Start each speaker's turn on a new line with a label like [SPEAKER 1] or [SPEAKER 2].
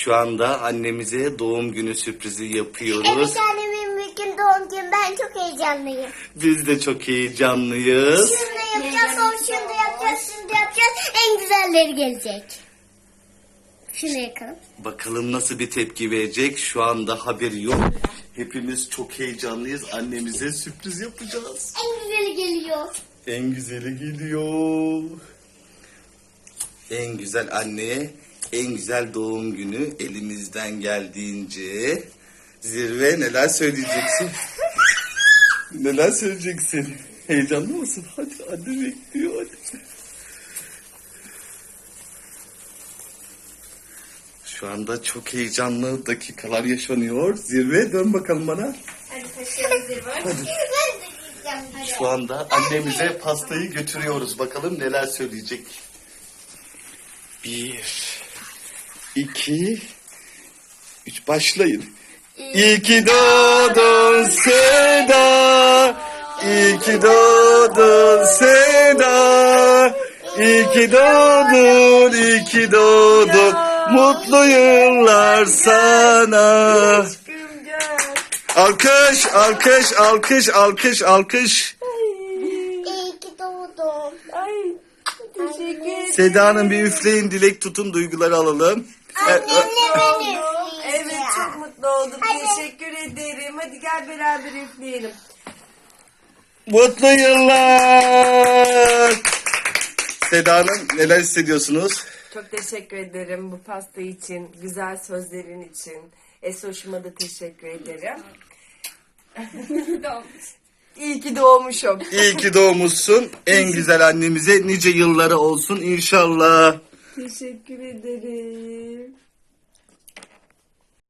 [SPEAKER 1] Şu anda annemize doğum günü sürprizi yapıyoruz.
[SPEAKER 2] Evet annemin bugün doğum günü. Ben çok heyecanlıyım.
[SPEAKER 1] Biz de çok heyecanlıyız.
[SPEAKER 2] Şunu da yapacağız, sonra şunu da yapacağız, şunu da yapacağız. En güzelleri gelecek. Şunu yakalım.
[SPEAKER 1] Bakalım nasıl bir tepki verecek. Şu anda haberi yok. Hepimiz çok heyecanlıyız. Annemize sürpriz yapacağız.
[SPEAKER 2] En güzeli geliyor.
[SPEAKER 1] En güzeli geliyor. En güzel anneye en güzel doğum günü elimizden geldiğince. Zirve, neler söyleyeceksin? Neler söyleyeceksin? Heyecanlı mısın? Hadi anne bekliyor hadi. Şu anda çok heyecanlı dakikalar yaşanıyor. Zirve, dön bakalım bana.
[SPEAKER 3] Hadi taşıyalım Zirve.
[SPEAKER 2] Ben de gideceğim.
[SPEAKER 1] Şu anda annemize pastayı götürüyoruz. Bakalım neler söyleyecek. 1, 2, 3 başlayın. İyi ki doğdun Seda. İyi ki doğdun Seda. İyi ki doğdun, iyi ki doğdun. Mutlu yıllar sana. Alkış, alkış, alkış, alkış, alkış.
[SPEAKER 2] İyi ki doğdum.
[SPEAKER 3] Ay teşekkür ederim.
[SPEAKER 1] Seda'nın bir üfleyin, dilek tutun, duyguları alalım.
[SPEAKER 2] Annemle ben
[SPEAKER 3] Evet
[SPEAKER 2] üfleyeceğim.
[SPEAKER 3] çok mutlu oldum.
[SPEAKER 2] Hadi.
[SPEAKER 3] Teşekkür ederim. Hadi gel beraber üfleyelim.
[SPEAKER 1] Mutlu yıllar. Seda'nın neler hissediyorsunuz?
[SPEAKER 3] Çok teşekkür ederim bu pasta için, güzel sözlerin için. Esoş'uma da teşekkür ederim. İyi ki doğmuşum.
[SPEAKER 1] İyi ki doğmuşsun. En güzel annemize nice yılları olsun inşallah.
[SPEAKER 3] Teşekkür ederim.